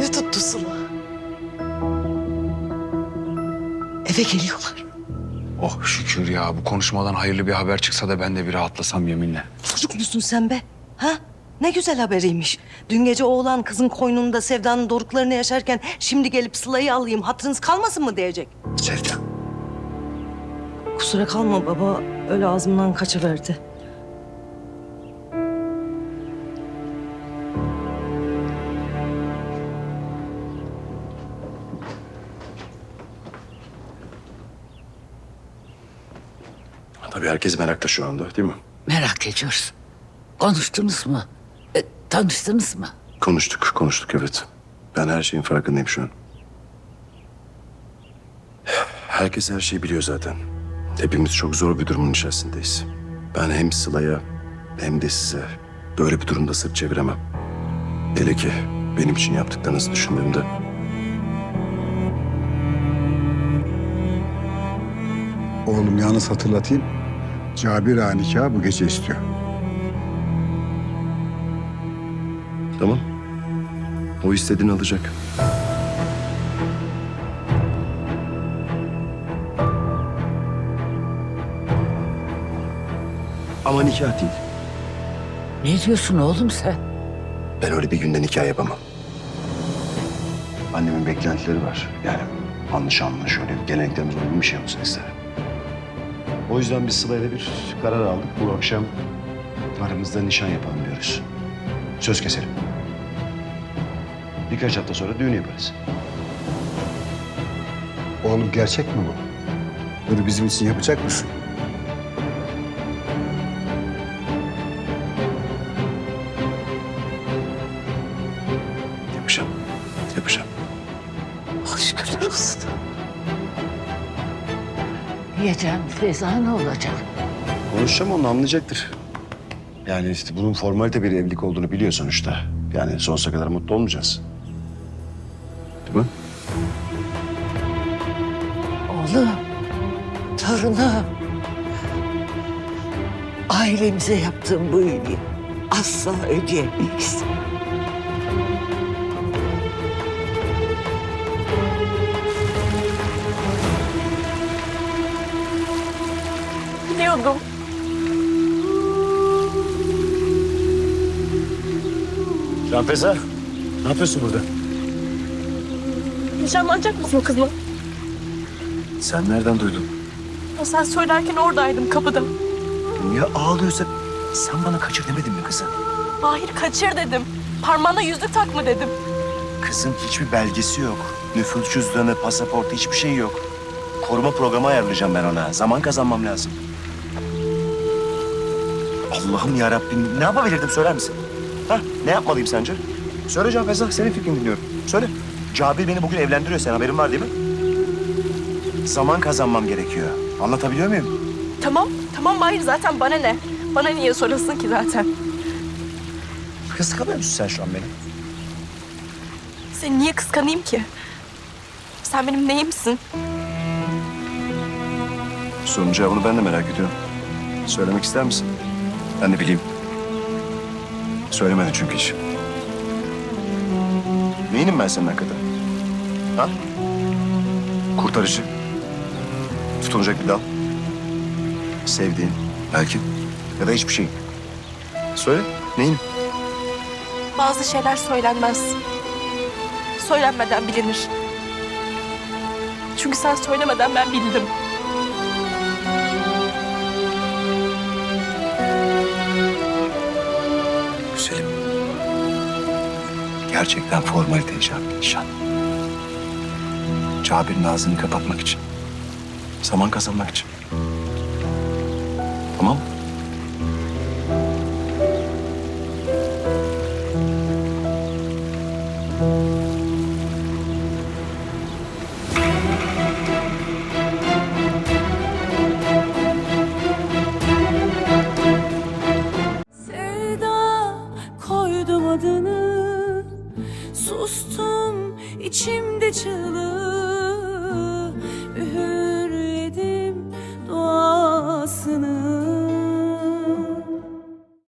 Elini tuttu Sıla. Eve geliyorlar. Oh şükür ya, bu konuşmadan hayırlı bir haber çıksa da ben de bir rahatlasam yeminle. Çocuk musun sen be? Ha? Ne güzel haberiymiş. Dün gece oğlan kızın koynunda Sevda'nın doruklarını yaşarken şimdi gelip Sıla'yı alayım, hatırınız kalmasın mı diyecek. Sevda. Kusura kalma baba, öyle ağzımdan kaçıverdi. Tabii herkes merakta şu anda, değil mi? Merak ediyoruz. Konuştunuz mu? Tanıştınız mı? Konuştuk evet. Ben her şeyin farkındayım şu an. Herkes her şeyi biliyor zaten. Hepimiz çok zor bir durumun içerisindeyiz. Ben hem Sıla'ya hem de size böyle bir durumda sırt çeviremem. Hele ki benim için yaptıklarınızı düşündüğümde. Oğlum yalnız hatırlatayım. Cabir ağa nikahı bu gece istiyor. Tamam. O istediğini alacak. Ama nikah değil. Ne diyorsun oğlum sen? Ben öyle bir günde nikah yapamam. Annemin beklentileri var. Yani anlaşılma şöyle bir geleneklerimize uygun bir şey olsun isterim. O yüzden biz Sıla'yla bir karar aldık. Bu akşam aramızda nişan yapalım diyoruz. Söz keselim. Birkaç hafta sonra düğün yaparız. Oğlum gerçek mi bu? Bunu bizim için yapacak mısın? Yapacağım. Yapacağım. Şükürler olsun. Yiyeceğim Feyza ne olacak? Konuşacağım, onu anlayacaktır. Yani işte bunun formalite bir evlilik olduğunu biliyor sonuçta. Yani sonsuza kadar mutlu olmayacağız. Değil mi? Oğlum, torunum. Ailemize yaptığın bu iyiliği asla ödeyemeyiz. Biliyordum. Canfeza, ne yapıyorsun burada? Nişanlanacak mısın kızım? Sen nereden duydun? Ya sen söylerken oradaydım kapıda. Niye ağlıyorsa sen bana kaçır demedin mi kızım? Mahir kaçır dedim. Parmağına yüzük takma dedim. Kızın hiçbir belgesi yok. Nüfus cüzdanı, pasaportu hiçbir şey yok. Koruma programı ayarlayacağım ben ona. Zaman kazanmam lazım. Allah'ım ya Rabbim, ne yapabilirdim söyler misin? Ha, ne yapmalıyım sence? Söyle Can Feza, senin fikrini dinliyorum. Söyle. Cabir beni bugün evlendiriyor, sen haberin var değil mi? Zaman kazanmam gerekiyor. Anlatabiliyor muyum? Tamam Mahir zaten bana ne? Bana niye sorasın ki zaten? Kıskanıyor musun sen şu an beni? Seni niye kıskanayım ki? Sen benim neyimsin? Sorunun cevabını ben de merak ediyorum. Söylemek ister misin? Ben de bileyim. Söylemedi çünkü hiç. Neyinim ben senin hakikaten? Ha? Kurtarıcı. Tutunacak bir dal. Sevdiğin belki. Ya da hiçbir şey. Söyle, neyin? Bazı şeyler söylenmez. Söylenmeden bilinir. Çünkü sen söylemeden ben bildim. Güzelim. Gerçekten formalite icabı bir nişan. Cabir'in ağzını kapatmak için. Zaman kazanmak için. Tamam mı? Sevda koydum adını, sustum içimde çığlık.